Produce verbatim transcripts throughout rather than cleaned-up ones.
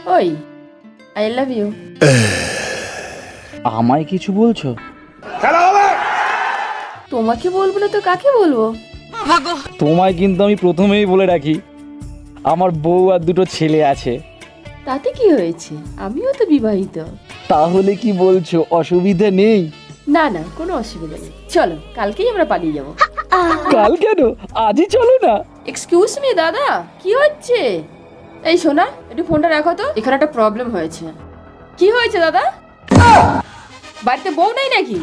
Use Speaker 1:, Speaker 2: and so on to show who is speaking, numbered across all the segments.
Speaker 1: ওই I love you.
Speaker 2: আমায় কিছু বলছো?
Speaker 1: তোমাকে বলবো না তো কাকে বলবো?
Speaker 2: তোমায় কিন্তু আমি প্রথমেই বলে রাখি, আমার বউ আর দুটো ছেলে আছে।
Speaker 1: তাতে কি হয়েছে, আমিও তো বিবাহিত।
Speaker 2: তাহলে কি বলছো, অসুবিধা নেই?
Speaker 1: না না, কোনো অসুবিধা নেই, চলো কালকেই আমরা পালিয়ে যাবো।
Speaker 2: কাল কেন, আজই চলো না।
Speaker 1: এক্সকিউজ মি দাদা, কি হচ্ছে? এই শোনা, একটু ফোনটা রাখো তো, এখানে একটা প্রবলেম হয়েছে। কি হয়েছে দাদা? বাড়িতে বউ নাই নাকি?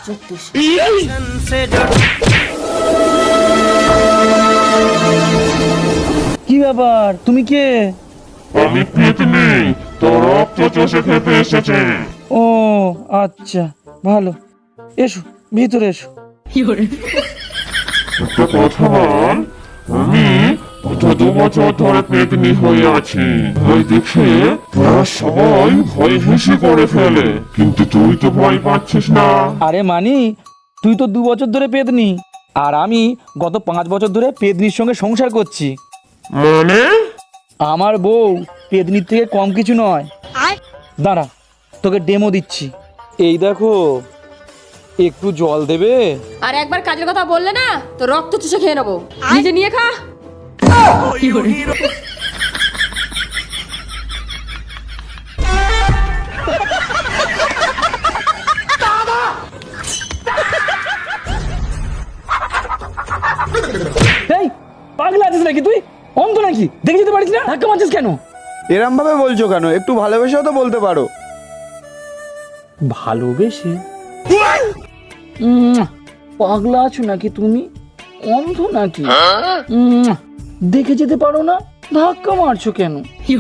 Speaker 2: কি ব্যাপার, তুমি কে?
Speaker 3: আমি পেতনি, তোর রক্ত চষে খেতে এসেছে।
Speaker 2: ও আচ্ছা, ভালো, এসো ভিতরে এসো।
Speaker 3: একটা কথা বল, আমি গত দু বছর ধরে পেতনি হয়ে আছি। ভয় দেখে তোরা সবাই ভয় হেসে করে ফেলে, কিন্তু তুই তো ভয় পাচ্ছিস না।
Speaker 2: আরে মানি, তুই তো দু বছর ধরে পেদনি, আর আমি গত পাঁচ বছর ধরে পেদনির সঙ্গে সংসার করছি।
Speaker 3: মানে?
Speaker 2: আমার বউ পেদনির থেকে কম কিছু নয়। দাঁড়া, তোকে ডেমো দিচ্ছি। এই দেখো, একটু জল দেবে?
Speaker 1: আর একবার কাজের কথা বললে না তো রক্ত চুষে খেয়ে নেবো, নিজে নিয়ে খা।
Speaker 2: এই পাগলা আছিস নাকি তুই? অন্ধ নাকি, দেখে যেতে পারিস না? ধাক্কা মারছিস কেন?
Speaker 4: এরম ভাবে বলছো কেন? একটু ভালোবেসেও তো বলতে পারো।
Speaker 2: ভালোবেসে? উম, পাগলা আছো নাকি তুমি? অন্ধ নাকি? উম, দেখে যেতে পারো না, ধাক্কা মারছো কেন?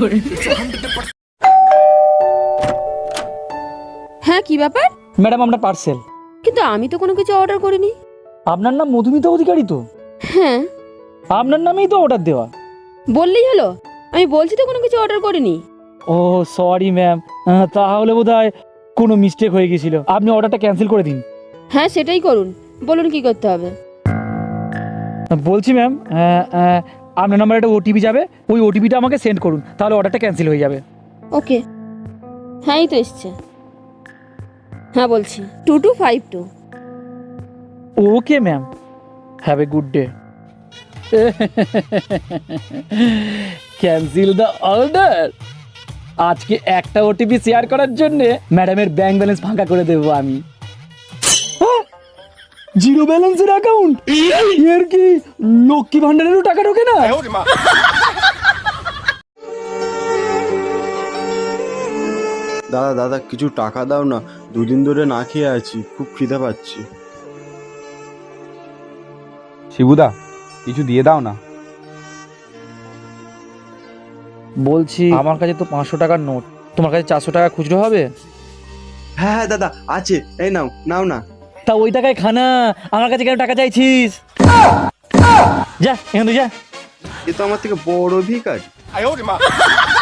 Speaker 1: হ্যাঁ, কি ব্যাপার?
Speaker 2: ম্যাডাম, আমরা পার্সেল।
Speaker 1: কিন্তু আমি তো কোনো কিছু অর্ডার করিনি।
Speaker 2: আপনার নাম মধুমিতা অধিকারী তো?
Speaker 1: হ্যাঁ,
Speaker 2: আপনার নামেই তো অর্ডার দেওয়া।
Speaker 1: বললেই হলো, আমি বলছি তো কোনো কিছু অর্ডার করিনি।
Speaker 2: ও সরি ম্যাম, তাহলে বোধহয় কোনো মিস্টেক হয়ে গেছিল। আপনি অর্ডারটা ক্যান্সেল করে দিন।
Speaker 1: হ্যাঁ, সেটাই করুন, বলুন কি করতে হবে।
Speaker 2: বলছি ম্যাম, আপনার নাম্বারে একটা ওটিপি যাবে, ওই ওটিপিটা আমাকে সেন্ড করুন, তাহলে অর্ডারটা ক্যান্সেল হয়ে যাবে।
Speaker 1: ওকে, হ্যাঁ এই তো এসছে। হ্যাঁ বলছি, two two five two.
Speaker 2: Okay ma'am, have a good day. Cancel the order. আজকে একটা ওটিপি শেয়ার করার জন্য ম্যাডামের ব্যাংক ব্যালেন্স ফাঁকা করে দেবো আমি। জিরো ব্যালেন্সের অ্যাকাউন্ট, এর কি লক্ষ্মী ভান্ডারেরও টাকা ঢোকে না?
Speaker 4: দাদা দাদা কিছু টাকা দাও না, দুদিন ধরে না খেয়ে আছি, খুব খিদে পাচ্ছি।
Speaker 5: শিবুদা, কিছু দিয়ে দাও না।
Speaker 2: বলছি, আমার কাছে তো পাঁচশো টাকার নোট, তোমার কাছে চারশো টাকা খুচরো হবে?
Speaker 4: হ্যাঁ হ্যাঁ দাদা আছে, এই নাও নাও না।
Speaker 2: তা ওই টাকায় খানা, আমার কাছে কেন টাকা চাইছিস? যা এখান থেকে যা।
Speaker 4: এ তো আমার থেকে বড় ভিখারি।